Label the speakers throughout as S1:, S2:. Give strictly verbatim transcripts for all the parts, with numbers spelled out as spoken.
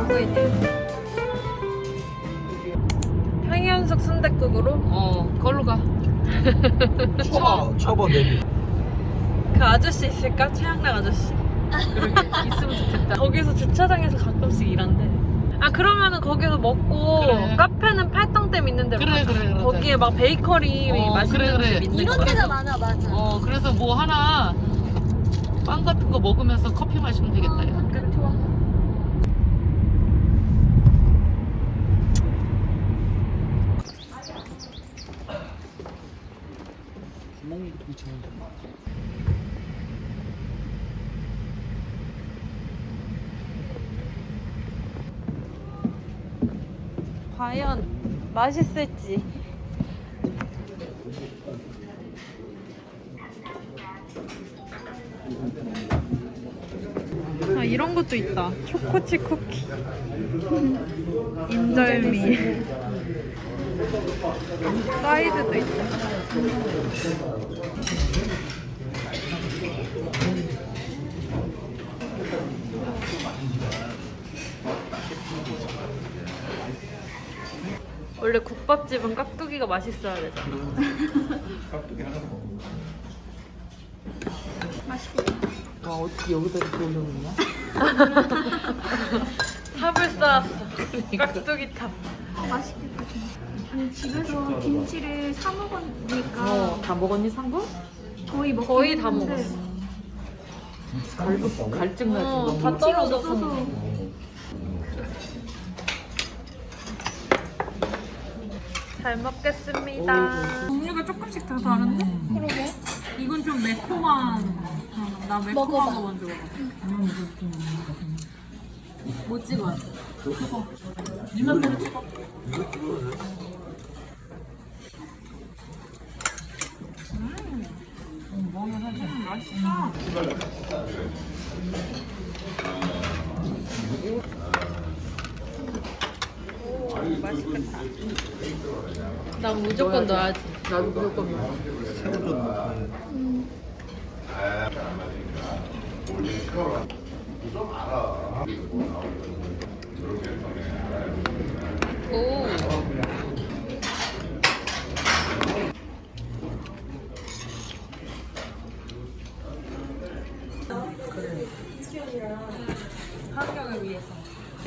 S1: 오고 있네. 향현숙 순댓국으로?
S2: 어, 걸로 가.
S3: 초보 초보 데뷔.
S1: 그 아저씨 있을까? 최양락 아저씨?
S2: 그러게, 있으면 좋겠다.
S1: 거기서 주차장에서 가끔씩 일한대. 아 그러면은 거기서 먹고
S2: 그래.
S1: 카페는 팔당댐 있는 데로
S2: 그래,
S1: 가자.
S2: 그래, 그러자.
S1: 거기에 막 베이커리
S2: 어,
S1: 맛있는
S2: 그래, 그래.
S1: 집 있는
S4: 이런
S1: 거.
S4: 데가 많아, 맞아.
S2: 어, 그래서 뭐 하나 빵 같은 거 먹으면서 커피 마시면 되겠다. 야.
S4: 그래, 좋아.
S3: 구멍이 붙이는 거.
S1: 과연 맛있을지. 아 이런 것도 있다. 초코치 쿠키. 인절미. 사이드도 있다. 원래 국밥집은 깍두기가 맛있어야 되잖아.
S3: 깍두기 하나 먹어.
S2: 와, 어떻게 여기다 이렇게 올려놓냐?
S1: 탑을 쌓았어. 깍두기 탑.
S4: 맛있겠다, 진짜. 아니, 집에서 김치를 사 먹으니까
S2: 어, 다 먹었니, 상구?
S4: 거의 먹
S1: 거의 다 먹었어.
S2: 갈증, 갈증 나지.
S1: 어,
S2: 너무.
S1: 다
S4: 김치가
S1: 떨어져서.
S4: 없어서.
S1: 잘 먹겠습니다.
S5: 종류가 조금씩 다 다른데?
S4: 그러게.
S5: 이건 좀 매콤한 거. 어, 나 매콤한
S4: 먹어봐.
S5: 거 먼저 먹어. 뭐 찍어야 돼? 그거. 네 맘대로 찍어. 음, 맛있다.
S1: 맛있겠다. 난 무조건 넣어야지.
S2: 나도 무조건 먹어.
S3: 새우젓 넣고.
S1: 오.
S5: 환경을 위해서.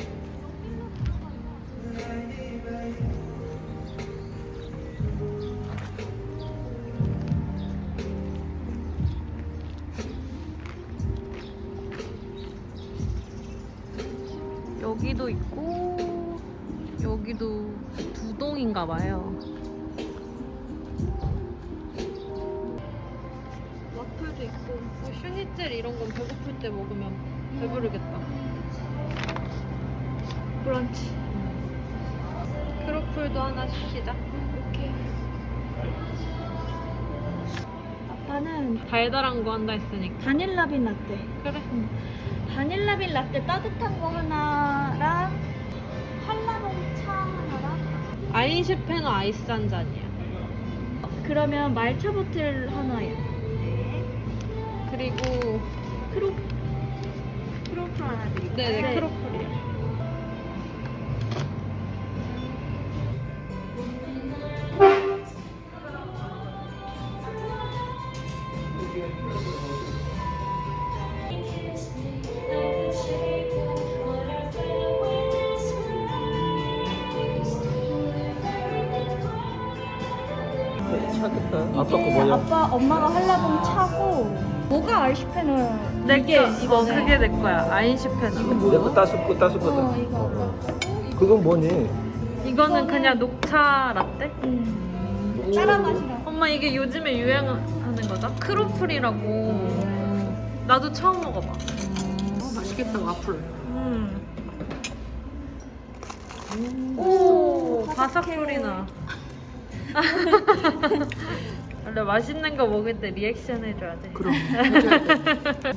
S1: 여기도 있고 여기도 두 동인가 봐요. 와플도 있고 뭐 슈니첼 이런 건 배고플 때 먹으면 배부르겠다.
S4: 브런치.
S1: 크로플도 하나 시키자.
S4: 오케이. 아빠는
S1: 달달한 거 한다 했으니까.
S4: 바닐라빈 라떼.
S1: 그래.
S4: 바닐라빈 라떼 따뜻한 거 하나랑 한라봉 차 하나랑
S1: 아인슈페너 아이스 한 잔이야.
S4: 그러면 말차 보틀 하나요.
S1: 그리고
S4: 크로 크로플 하나 드릴게요.
S1: 네네 크로플이요.
S2: 차겠다.
S3: 아빠 거 뭐야?
S4: 아빠 엄마가 한라봉 차고 뭐가 아이슈페는
S1: 내
S4: 이게
S1: 거, 이거
S4: 이거네.
S1: 그게 내 거야. 아인슈페너.
S3: 내거 따숩고
S4: 어
S3: 따숩거든.
S4: 이거.
S3: 그건 뭐니?
S1: 이거는 그냥 녹차 라떼?
S4: 음. 따라 마시라.
S1: 엄마 이게 요즘에 유행하는 거죠? 크로플이라고. 나도 처음 먹어봐.
S2: 어, 맛있겠다, 와플.
S1: 음. 오, 바삭 소리 나. 원래 맛있는 거 먹을 때 리액션 해줘야 돼.
S2: 그럼. 해줘야 돼.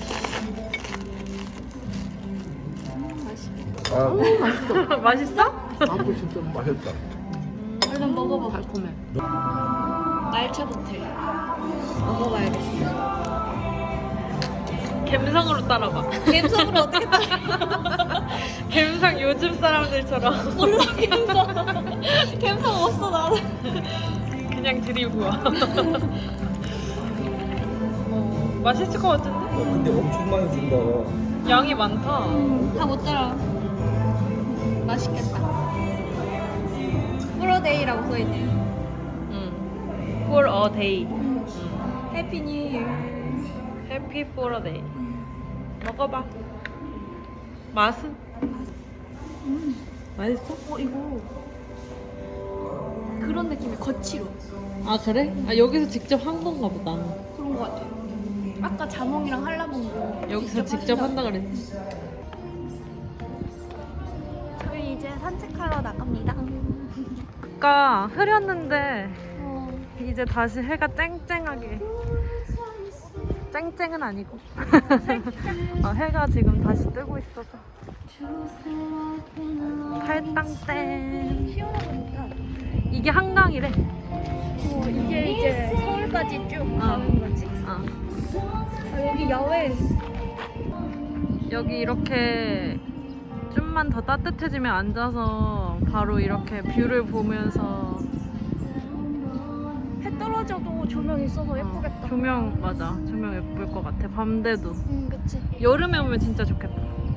S3: 아,
S1: 맛있어?
S3: 와플 진짜 맛있다.
S4: 얼른 먹어봐.
S2: 달콤해.
S4: 말차 보틀. 먹어봐야겠어.
S1: 갬성으로 따라봐.
S4: 갬성으로 어떻게 따라?
S1: 갬성 애들처럼
S4: 몰라 갬성. 갬성 없어 나는.
S1: 그냥 드리고 와. 어, 맛있을 것 같은데?
S3: 어, 근데 엄청 많이 준다.
S1: 양이 많다.
S4: 다 못 따라. 맛있겠다. 프로데이라고 써있네.
S1: 응. For a day.
S4: 해피 뉴 이어.
S1: Happy for a day. 먹어봐. 맛은? 맛있어?
S4: 어 이거 그런 느낌이 거칠어.
S1: 아 그래? 아 여기서 직접 한 건가 보다.
S4: 그런 거 같아. 아까 자몽이랑 한라봉도
S1: 여기서 직접 한다 그랬지.
S4: 저희 이제 산책하러 나갑니다.
S1: 아까 흐렸는데
S4: 어.
S1: 이제 다시 해가 쨍쨍하게. 쨍쨍은 아니고. 어, 해가 지금 다시 뜨고 있어서. 팔당땡.
S4: 시원하니까.
S1: 이게 한강이래.
S4: 어, 이게 이제 서울까지 쭉
S1: 어.
S4: 가는 거지.
S1: 어.
S4: 아, 여기 야외.
S1: 여기 이렇게 좀만 더 따뜻해지면 앉아서 바로 이렇게 뷰를 보면서
S4: 해 떨어져도 조명 있어서
S1: 어,
S4: 예쁘겠다.
S1: 조명 맞아. 조명 예쁠 것 같아. 밤돼도.
S4: 응, 그치.
S1: 여름에 오면 진짜 좋겠다.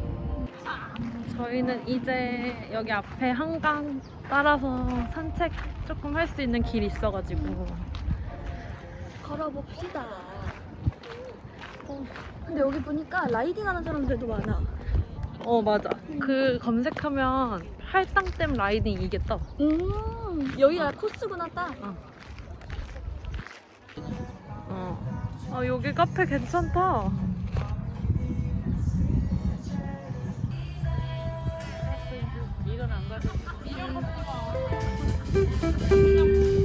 S1: 저희는 이제 여기 앞에 한강 따라서 산책 조금 할 수 있는 길이 있어가지고
S4: 걸어봅시다. 어, 근데 여기 보니까 라이딩 하는 사람들도 많아.
S1: 어 맞아. 그 검색하면 할당댐 라이딩 이게 떠.
S4: 음, 여기가 코스구나, 딱.
S1: 어. 아 여기 카페 괜찮다.
S2: 이건 안 가져. 이런 거